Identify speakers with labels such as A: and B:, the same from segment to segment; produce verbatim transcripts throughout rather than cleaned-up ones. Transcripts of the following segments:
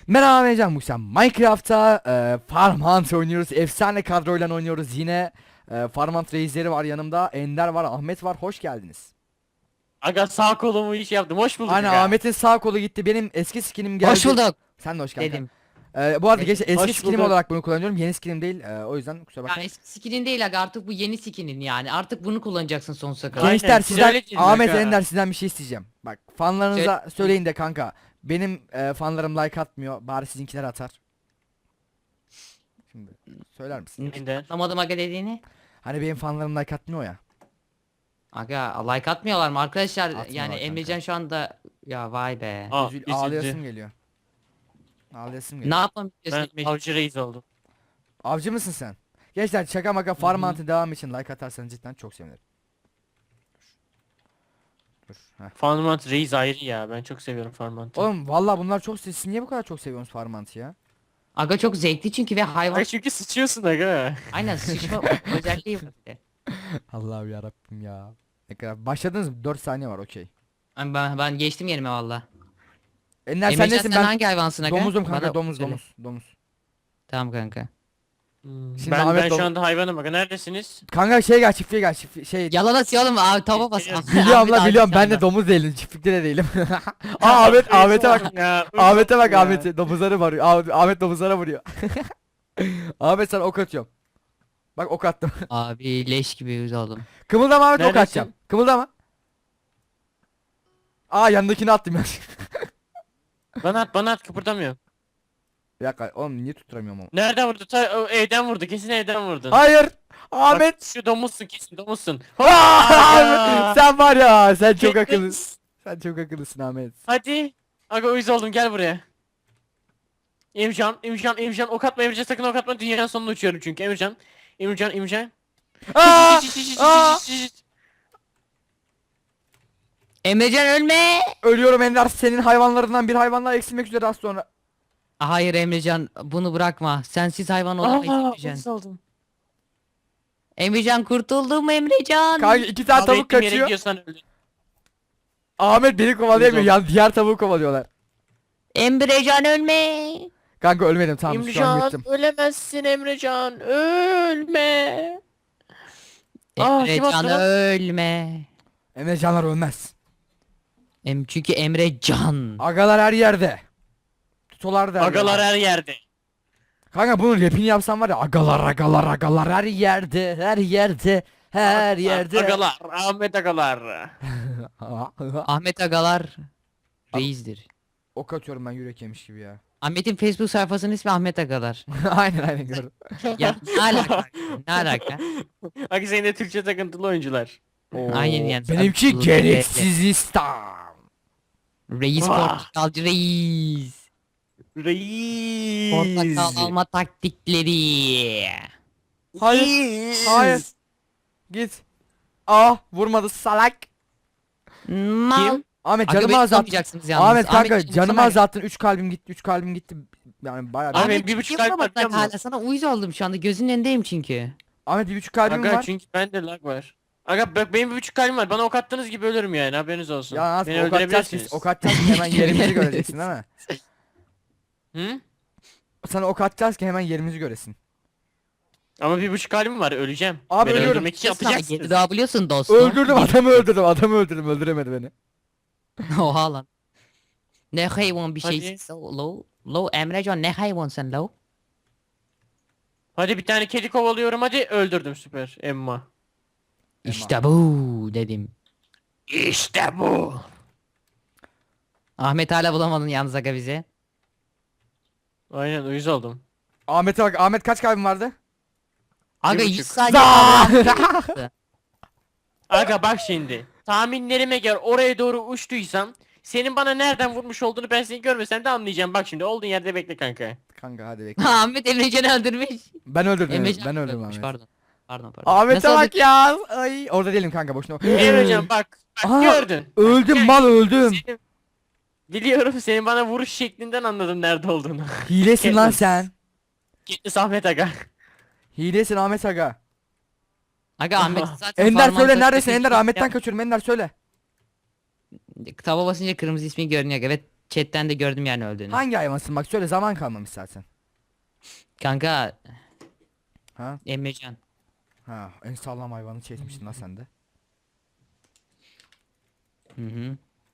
A: Merhaba ben Can Musa. Minecraft'ta e, Farm Hunt oynuyoruz. Efsane kadroyla oynuyoruz. Yine e, Farm Hunt reisleri var yanımda. Ender var, Ahmet var. Hoş geldiniz.
B: Aga sağ kolumu iş yaptım. Hoş bulduk
A: Aynen,
B: aga.
A: Ahmet'in sağ kolu gitti. Benim eski skinim geldi.
C: Hoş bulduk
A: Sen de hoş kanka.
C: dedim.
A: E, bu arada geç, eski
B: Hoş
A: skinim
B: bulduk.
A: olarak bunu kullanıyorum. Yeni skinim değil. E, o yüzden kusura
C: Ya
A: bakmayın.
C: eski skinin değil aga, artık bu yeni skinin yani. Artık bunu kullanacaksın sonsuza kadar.
B: Aynen,
A: Gençler sizden,
B: söyleyeceğiz
A: Ahmet
B: aga.
A: Ender sizden bir şey isteyeceğim. Bak fanlarınıza
C: Söyle.
A: söyleyin de kanka. Benim e, fanlarım like atmıyor. Bari sizinkiler atar. Şimdi söyler misin?
B: Ender.
C: Anlamadım aga dediğini.
A: Hani benim fanlarım like atmıyor ya.
C: Aga like atmıyorlar mı arkadaşlar?
A: Atmıyorlar
C: Yani
A: kanka.
C: Emrecan şu anda ya vay be.
B: Aa,
A: Üzül,
B: üzüldü.
A: ağlayasım geliyor. Ağlayasım
C: Ne
A: geliyor.
C: yapmam istiyorsun
B: Ben
C: Emrecan?
B: avcı reis oldum.
A: Avcı mısın sen? Gençler şaka maka Farm Hunt'ın devam için like atarsanız cidden çok sevinirim. Dur. Heh.
B: Farmant reis ayrı ya. Ben çok seviyorum Farmant'ı.
A: Oğlum vallahi bunlar çok siz niye bu kadar çok seviyorsunuz Farm Hunt'ı ya?
C: Aga çok zevkli çünkü ve hayvan.
B: Ay çünkü sıçıyorsun aga.
C: Aynen sıçma özelliği var bir de.
A: Allah'ım ya Rabbim ya. Ne kadar başladınız mı? dört saniye var okey.
C: Ay, Ben, ben geçtim yerime valla.
A: Ender sen
C: Emrecan
A: nesin
C: sen
A: ben?
C: hangi hayvansın aga?
A: Domuzum kanka
C: Bana
A: domuz
C: söyle.
A: domuz domuz.
C: Tamam kanka.
B: Hmm,
A: Şimdi
B: ben
A: Ahmet
B: ben
A: dom-
B: şu anda hayvanım aga. Neredesiniz?
A: Kanka şey gel çiftliğe gel çiftliğe şey.
C: Yalan atıyor oğlum abi, tava bas.
B: Biliyorum.
A: Biliyorum
C: Ahmet
A: la
C: abi
A: biliyorum
C: şu
A: ben de
C: anda.
A: domuz değilim çiftlikte de değilim. Aa Ahmet Ahmet'e bak.
B: Ya,
A: Ahmet'e bak
B: ya.
A: Ahmet'e domuzları vuruyor. Ah- Ahmet domuzlara vuruyor. Ahmet sana ok atıyorum. Bak ok attım.
C: Abi leş gibi yüz oldum.
A: Kımıldama Ahmet ok
B: Neredesin?
A: atacağım. Kımıldama. Aa yanındakini attım ya.
B: Bana at bana at kıpırdamıyorum.
A: Bir dakika oğlum niye tutturamıyorum onu?
B: Nereden vurdu? Ta, o evden vurdu. Kesin evden vurdun.
A: Hayır.
B: Bak,
A: Ahmet.
B: şu domuzsun kesin domuzsun.
A: Aa,
B: Aa!
A: sen var ya sen çok
B: Kesin.
A: akıllısın. Sen çok akıllısın Ahmet.
B: Hadi. Aga uyuz oldum gel buraya. Emircan, Emircan, Emircan ok atma Emircan sakın ok atma dünyanın sonuna uçuyorum çünkü Emircan. Emircan, Emircan.
A: Aa! Aa!
C: Emrecan ölme.
A: Ölüyorum Ender senin hayvanlarından bir hayvanlar eksilmek üzere az sonra.
C: Hayır Emrecan bunu bırakma. Sensiz hayvan olamayız
B: Aa,
C: Emrecan.
B: uyuz oldum.
C: Emrecan kurtuldu mu Emrecan?
A: Kanka iki tane
B: Kavga
A: tavuk
B: ettiğim yere
A: kaçıyor.
B: gidiyorsan öldün.
A: Ahmet beni kovalayamıyor.
B: Güzel.
A: Yan diğer tavuğu kovalıyorlar.
C: Emrecan ölme.
A: Kanka ölmedim tamam şu an
B: Emrecan
A: yırttım.
B: ölemezsin Emrecan ölme. Aa, kim
C: Emrecan
B: attı lan?
C: ölme.
A: Emre canlar ölmez.
C: Em çünkü Emrecan.
A: Agalar her yerde. Tutolar der.
B: Agalar
A: ya.
B: her yerde.
A: Kanka bunun rapini yapsam var ya agalar agalar agalar her yerde her yerde her yerde.
B: Agalar, Ahmet agalar.
C: Ahmet Agalar reisdir.
A: Ok atıyorum ben yürek yemiş gibi ya.
C: Ahmet'in Facebook sayfasının ismi Ahmet Agalar.
A: aynen aynen gördüm.
C: Ya ne alaka? Ne alaka?
B: Aga senin de Türkçe takıntılı oyuncular.
C: Aynen yani.
A: Benimki
C: Sen-
A: gereksiz İslam.
C: Reis
B: Vah.
C: portakalcı reis.
B: Reis.
C: Portakal alma taktikleri.
A: Hayır.
B: Reis.
A: Hayır. Git. Ah vurmadı salak.
C: Mal.
A: Ahmet
C: Aga
A: canımı
C: beni
A: azalttın.
C: tutamayacaksınız yalnız.
A: Ahmet kanka
C: Ahmet,
A: canımı
C: sana-
A: azalttın. üç kalbim gitti. üç kalbim gitti. Yani bayağı.
B: Abi,
A: Ahmet,
B: benim bir buçuk kalp
C: yapamadık
B: var, biliyor musun?
C: hala. Sana uyuz oldum şu anda. Gözünün önündeyim çünkü.
A: Ahmet bir buçuk kalbim
B: Aga
A: var.
B: çünkü bende lag var. Aga bak benim bir buçuk kalbim var. Bana ok attığınız gibi ölürüm yani haberiniz olsun.
A: Ya nasıl
B: Beni
A: ok atacağız
B: öldürebilirsiniz.
A: ki? Ok atacağız ki hemen yerimizi göreceksin değil mi?
B: Hı?
A: Sana ok atacağız ki hemen yerimizi göresin.
B: Ama bir buçuk kalbim var öleceğim.
A: Abi
B: Beni
A: ölüyorum.
B: öldürmek için
C: Yedi
B: yapacaksınız.
C: daha biliyorsun dostum.
A: Öldürdüm adamı öldürdüm adamı öldürdüm öldüremedi beni.
C: Oha lan. Ne hayvan bir
B: Hadi.
C: şey. So low. Low Emrecan ne hayvan sen low?
B: Hadi bir tane kedi kovalıyorum hadi öldürdüm süper Emma.
C: İşte bu dedim.
B: İşte bu.
C: Ahmet hala bulamadın yalnız aga bize.
B: Aynen uyuz oldum.
A: Ahmet'e bak Ahmet kaç kalbin vardı?
C: Aga
B: Bir
C: yüz
B: buçuk.
C: saniye
A: Zaa!
C: kaldı.
B: Aga bak şimdi. Tahminlerime göre oraya doğru uçtuysam senin bana nereden vurmuş olduğunu ben seni görmesem de anlayacağım. Bak şimdi olduğun yerde bekle kanka.
A: Kanka hadi bekle.
C: Ahmet Emrecan'ı öldürmüş.
A: Ben öldürdüm
C: Emrecan
A: ben öldürdüm
C: öldürmüş,
A: Ahmet.
C: Pardon. Pardon pardon.
A: Ahmet'e
C: Nasıl
A: bak ya. Ay orada değilim kanka boşuna.
B: Emrecan bak. Bak
A: Aha,
B: gördün.
A: Öldüm mal öldüm.
B: Senin, biliyorum senin bana vuruş şeklinden anladım nerede olduğunu.
A: Hilesin lan
B: Katniss.
A: sen.
B: Gitti Ahmet aga.
A: Hilesin Ahmet aga.
C: Aga Ahmet zaten
A: Ender
C: parmağını
A: söyle
C: takıyor,
A: neredesin
C: hiç
A: Ender
C: şey
A: Ahmet'ten
C: yap-
A: kaçıyorum Ender söyle.
C: Tava basınca kırmızı ismi görünüyor. Evet chatten de gördüm yani öldüğünü.
A: Hangi hayvansın bak söyle, zaman kalmamış zaten.
C: Kanka
A: Ha?
C: Emrecan.
A: Ha, en sağlam hayvanı çekmiştin la sen de.
C: Hı hı.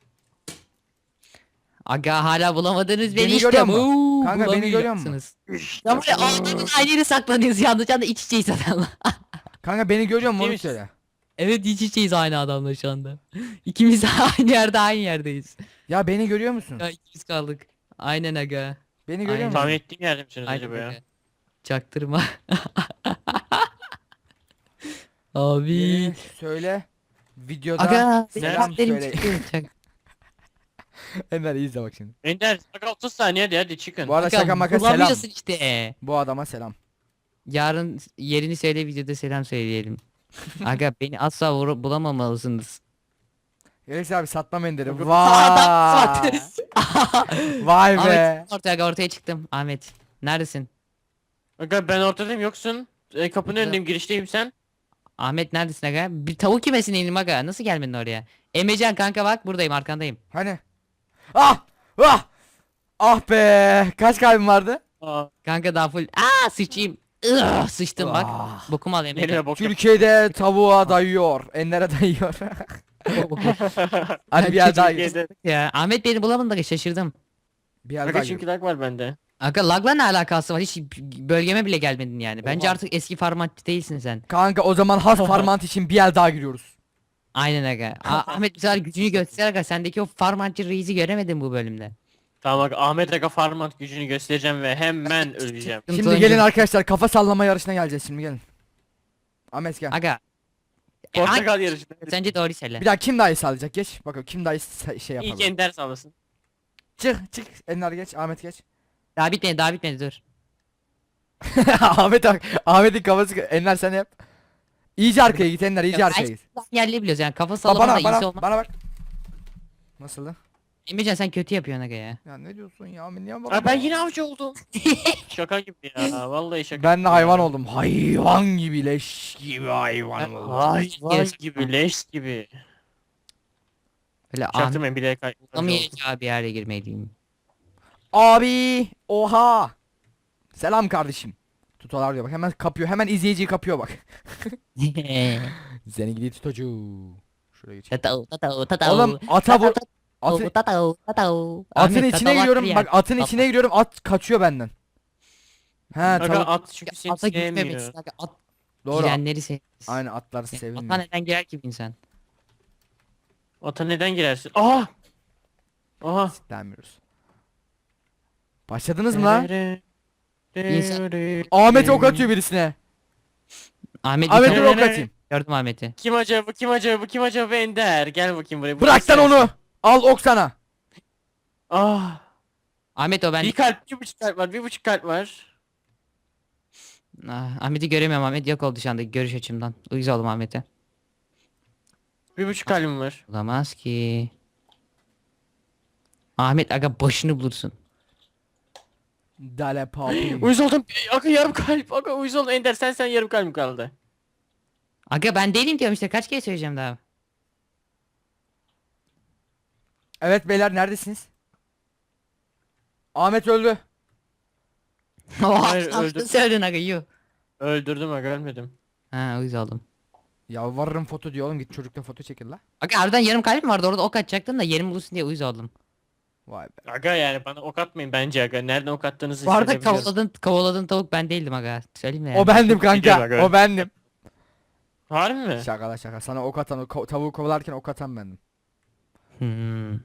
C: Aga hala bulamadınız beni,
A: Beni
C: işte.
A: görüyor musun?
C: Uuu,
A: Kanka, beni görüyor musun?
C: bulamayacaksınız. Ya böyle adamın aynı yere saklanıyoruz yalnız. Can da iç içeyiz adamla.
A: Kanka beni görüyor musun, onu
B: Neymiş?
A: söyle.
C: Evet, iç içeyiz aynı adamla şu anda. İkimiz de aynı yerde aynı yerdeyiz.
A: Ya beni görüyor musun?
C: Ya ikimiz kaldık. Aynen aga.
A: Beni görüyor
C: Aynen.
A: musun?
B: Tahmin ettiğim yerde misiniz
C: Aynen
B: acaba ya?
C: aga. Çaktırma. Abi.
A: Beni söyle. Videoda
C: Aga.
A: selam
C: benim
A: söyle.
C: çıktı. Çak-
A: Ender izle bak şimdi.
B: Ender aga otuz saniye hadi hadi çıkın.
A: Bu arada
C: Aga,
A: şaka maka selam.
C: bulamıyorsun işte.
A: Bu adama selam.
C: Yarın yerini söyle, videoda selam söyleyelim. Aga beni asla vur- bulamamalısınız.
A: Alex abi satmam Ender'i.
B: Adam
A: Vay. Vay be.
C: Ahmet ortaya ortaya çıktım. Ahmet neredesin?
B: Aga ben ortadayım yoksun. E, kapının
C: Aga.
B: önündeyim girişteyim sen.
C: Ahmet neredesin aga? Bir tavuk kümesine indim aga. Nasıl gelmedin oraya? Emrecan kanka bak buradayım, arkandayım.
A: Hani? Ah! Ah! Ah be! Kaç kalbim vardı?
B: Aa,
C: Kanka daha full. Aa sıçayım. Ugh, sıçtım bak.
A: Ah.
C: Bokumu al Emrecan.
B: nereye bok yap-
A: Türkiye'de tavuğa dayıyor. Ender'e dayıyor. Hadi bir yer daha git.
B: Türkiye'de.
C: Ya Ahmet beni bulamadın da şaşırdım.
A: Bir yer daha
B: Aga
A: git.
B: çünkü lag var bende.
C: Aga lagla ne alakası var? Hiç bölgeme bile gelmedin yani. Bence
A: Oha.
C: artık eski farmacı değilsin sen.
A: Kanka o zaman has farmant için bir yer daha giriyoruz.
C: Aynen aga. A- Ahmet bu sefer gücünü göster aga. Sendeki o farmacı reisi göremedim bu bölümde.
B: Tamam aga Ahmet aga farmant gücünü göstereceğim ve hemen öleceğim.
C: Sıkıntı
A: Şimdi
C: oyuncu-
A: gelin arkadaşlar, kafa sallama yarışına geleceğiz şimdi, gelin. Ahmet gel.
C: Aga. E,
B: Portakal
C: hangi-
B: yarışı.
C: Sence doğru söyle.
A: Bir daha kim daha iyi sallayacak, geç. Bakalım kim daha iyi sa- şey
B: İlk
A: yapalım.
B: Ender sağlasın.
A: Çık çık Ender geç, Ahmet geç.
C: Daha bitmedi daha bitmedi dur.
A: Ahmet Ahmet'in kafası, Ender sen yap. İyice arkaya git Ender, iyice
C: Ya,
A: arkaya
C: ay-
A: git.
C: Yerli biliyoruz yani, kafa
A: Ba-
C: sallama da
A: bana
C: iyisi
A: bana
C: olmaz.
A: bana bak. Nasıldı?
C: Emrecan sen kötü yapıyorsun aga ya.
A: Ya ne diyorsun ya? Ben niye
B: Aa, ben yine avcı oldum. Şaka gibi ya. Vallahi şaka.
A: Ben de
B: gibi
A: hayvan
B: ya.
A: oldum. Hayvan gibi, leş gibi hayvan oldum.
B: Hayvan gibi leş gibi.
C: Böyle Ahmet
B: Çaktırmayın bile kay.
C: olamayacağı bir yere girmeliyim.
A: Abi oha. Selam kardeşim. Tutolar diyor bak, hemen kapıyor, hemen izleyiciyi kapıyor bak. Seni gidi tutucu. Şuraya geç.
C: Tatau tatau tatau.
A: Oğlum ata vur. Atı,
C: Tatau tatau.
A: atın
C: Ahmet,
A: içine
C: tatau
A: giriyorum
C: var ya.
A: bak, atın içine giriyorum, at kaçıyor benden. He
B: Aga
A: tavuk.
B: at çünkü seni
C: Ata gitmemek
B: sevmiyor.
C: için aga, at
A: Doğru.
C: girenleri sev.
A: Aynı atları
C: Ata
A: sevilmiyor.
C: neden girer ki bir insan?
B: Ata neden girersin? Aha! Aha!
A: Denmiyoruz. Başladınız mı lan?
C: İnsan-
A: Ahmet ok atıyor birisine.
C: Ahmet
A: Ahmet
C: bir
A: dur
C: tane-
A: ok atayım.
C: gördüm Ahmet'i.
B: Kim acaba kim acaba kim acaba Ender? Gel bakayım buraya.
A: Bırak lan onu. Al ok sana.
B: Ah!
C: Ahmet o ben.
B: Bir kalp, bir buçuk kalp var, bir buçuk kalp var.
C: Ah, Ahmet'i göremiyorum, Ahmet yok oldu şu anda görüş açımdan. Uyuz oldum Ahmet'e.
B: Bir buçuk kalbim var.
C: Olamaz ki. Ahmet aga başını bulursun.
A: Dale papi.
B: Uyuz oldum. Aga yarım kalp. Aga uyuz oldum. Ender sen sen yarım kalbim kaldı.
C: Aga ben değilim diyorum işte, kaç kere söyleyeceğim daha.
A: Evet beyler, neredesiniz? Ahmet öldü.
B: Hayır,
C: Oha
B: öldüm.
C: söyledin aga yuh.
B: Öldürdüm aga ölmedim.
C: Ha uyuz oldum.
A: Yalvarırım foto diyor oğlum, git çocukla foto çekil la.
C: Aga harbiden yarım kalbim vardı orada, ok atacaktım da yerim bulursun diye uyuz oldum.
A: Vay be.
B: Aga yani bana ok atmayın bence aga. Nereden ok attığınızı
C: Bu arada
B: hissedebiliyorum.
C: kovaladın, kovaladın tavuk ben değildim aga. Söyleyeyim mi ya?
A: O bendim
B: Gidiyor bak,
A: kanka.
B: evet.
A: O bendim.
B: Harbi mi?
A: Şaka la şaka. Sana ok atan, o ko- tavuğu kovalarken ok atan bendim.
C: Hmm.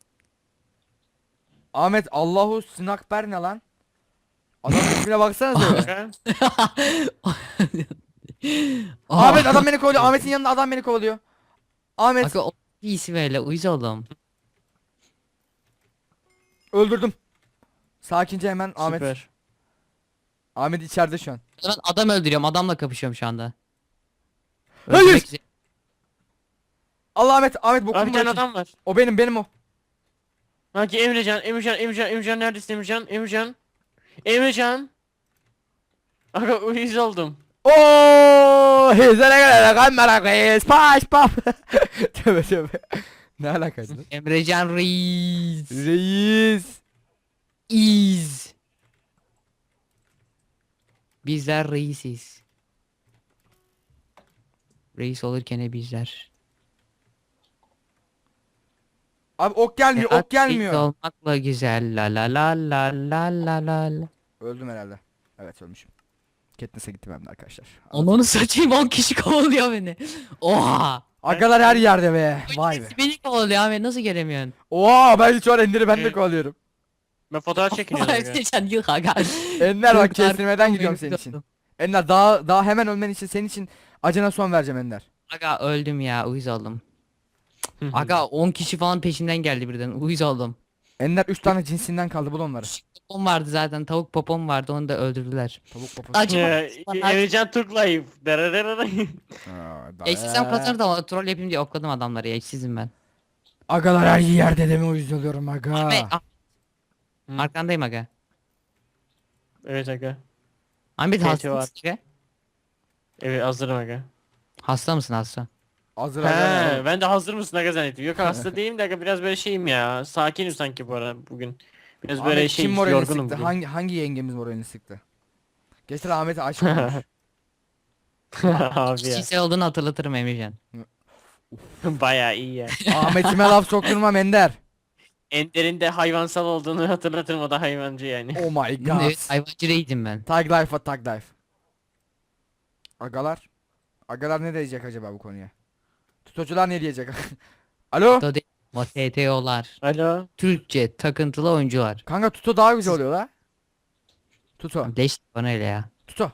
A: Ahmet Allahu Snakber ne lan? Adamın ismine baksana öyle.
B: Aga,
A: Ahmet adam beni kovalıyor. Ahmet'in yanında adam beni kovalıyor. Ahmet
C: Aga o bir isim öyle uyuz oldum.
A: öldürdüm. Sakince hemen Ahmet.
B: Süper.
A: Ahmet içeride şu an.
C: Ben adam öldürüyorum, adamla kapışıyorum şu anda.
A: Hayır!
C: Öldürmek üzere.
A: Allah Ahmet, Ahmet bu
B: Abi bir
A: kumu
B: tane
A: açın.
B: adam var.
A: O benim, benim o.
B: Hangi Emrecan, Emrecan, Emrecan, Emrecan neredesin Emrecan? Emrecan. Emrecan. Aga uyuz oldum.
A: Ooo! Hizele gele kamera kız. Paş pap. Tövbe tövbe. Ne alakası?
C: Emrecan Reis.
A: Reis.
C: İz. Bizler reisiz. Reis olurken bizler.
A: Abi ok gelmiyor, ok
C: Reis
A: gelmiyor.
C: olmakla güzel la la la la la la la la.
A: Öldüm herhalde. Evet ölmüşüm. Katniss'e gittim hem de arkadaşlar.
C: Onu satayım, on kişi kovalıyor beni. Oha.
A: Agalar her yerde be. Vay be.
C: Hepsi beni kovalıyor abi, nasıl göremiyorsun?
A: Oha ben şu an Ender'i ben de
B: Evet.
A: kovalıyorum.
B: Ben fotoğraf çekiniyorum. aga.
C: Emrecan yık aga.
A: Ender bak
C: Çok
A: kestirmeden
C: darbe
A: gidiyorum
C: benim
A: senin için.
C: dostum.
A: Ender daha daha hemen ölmen için senin için acına son vereceğim Ender.
C: Aga öldüm ya, uyuz oldum.
B: Hı hı.
C: Aga on kişi falan peşimden geldi birden, uyuz oldum.
A: Ender üç tane cinsinden kaldı bul onları.
C: Popom vardı zaten, tavuk popom vardı, onu da öldürdüler.
A: Tavuk poposu.
C: Acı
B: Ee, Emrecan Türk Life. Darararara.
A: Aa, da-
C: Ya istesem kazanırdım ama troll yapayım diye okladım adamları ya, işsizim ben.
A: Agalar her yerde deme uyuz oluyorum aga.
C: Ahmet, ah,
B: Hı.
C: arkandayım aga.
B: Evet aga.
C: Ahmet
B: T T
C: hasta
B: var.
C: mısın aga?
B: Evet hazırım aga.
C: Hasta mısın hasta?
A: Hazır aga.
B: He, ben de hazır mısın aga zannettim. Yok hasta değilim de aga biraz böyle şeyim ya. Sakinim sanki bu ara bugün. Biraz böyle
A: Ahmet
B: şey
A: kim moralini
B: yorgunum
A: sıktı?
B: bugün.
A: Hangi hangi yengemiz moralini sıktı? Geçen Ahmet'e aşık olmuş.
B: Abi ya.
C: Kişisel olduğunu hatırlatırım Emrecan.
B: Baya iyi ya.
A: Ahmet'ime laf sokturmam Ender.
B: Ender'in de hayvansal olduğunu hatırlatırım, o da hayvancı yani.
A: Oh my god.
C: Evet, hayvancı reydim ben.
A: Tag Life'a Tag Life. Agalar. Agalar ne diyecek acaba bu konuya? Tutucular ne diyecek? Alo?
C: Tuto değil, ama T T O'lar.
B: Alo.
C: Türkçe takıntılı oyuncular.
A: Kanka Tuto daha güzel oluyor la. Tuto.
C: Leş bana öyle ya.
A: Tuto.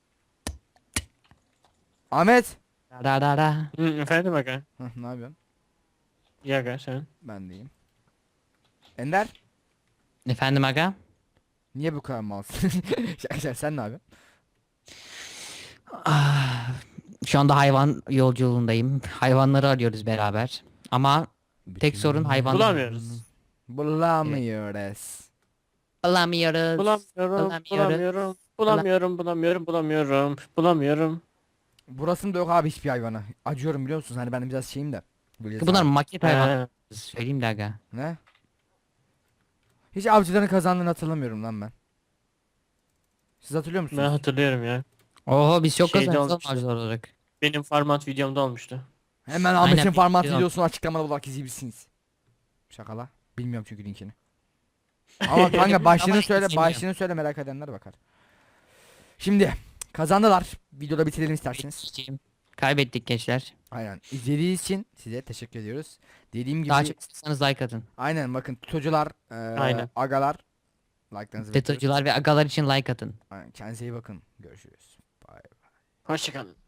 A: Ahmet.
C: Da da da.
B: Hı, efendim aga.
A: Hah, ne yapıyorsun?
B: İyi aga sen.
A: Ben deyim. Ender.
C: Efendim aga?
A: Niye bu kadar malsın? Şaka şaka, sen ne yapıyorsun?
C: Ah, şu anda hayvan yolculuğundayım. Hayvanları arıyoruz beraber. Ama tek sorun hayvan.
B: Bulamıyoruz.
A: Bulamıyoruz.
C: Bulamıyoruz.
B: Bulamıyorum, bulamıyorum, bulamıyorum, bulamıyorum, bulamıyorum, bulamıyorum.
A: Burasında yok abi hiçbir hayvanı. Acıyorum biliyor musunuz? Hani ben biraz şeyim de. Böyle
C: Bunlar
A: sağ-
C: maket hayvan.
B: He.
C: Söyleyeyim de aga.
A: Ne? Hiç avcıların kazandığını hatırlamıyorum lan ben. Siz hatırlıyor musunuz?
B: Ben hatırlıyorum ya.
C: Oho biz çok
B: Şeyde
C: kazanıyoruz
B: olmuştu.
C: avcılar olarak.
B: Benim format videomda olmuştu.
A: Hemen Ahmet'in
C: Aynen,
A: format
C: biliyorum.
A: videosunu açıklamada olarak izleyebilirsiniz. Şakala. Bilmiyorum çünkü linkini. Ama kanka başlığını
C: Ama
A: söyle,
C: izleyemiyorum.
A: başlığını söyle merak edenler bakar. Şimdi kazandılar. Videoda bitirelim isterseniz.
C: Geçeyim. Kaybettik gençler.
A: Aynen. İzlediğiniz için size teşekkür ediyoruz. Dediğim gibi
C: Daha çok istiyorsanız like atın.
A: aynen bakın tutucular, eee,
B: Aynen.
A: agalar like'larınızı bekliyoruz.
C: FETÖ'cüler ve agalar için like atın.
A: Aynen. Kendinize iyi bakın. Görüşürüz. Bye.
B: Hoşçakalın.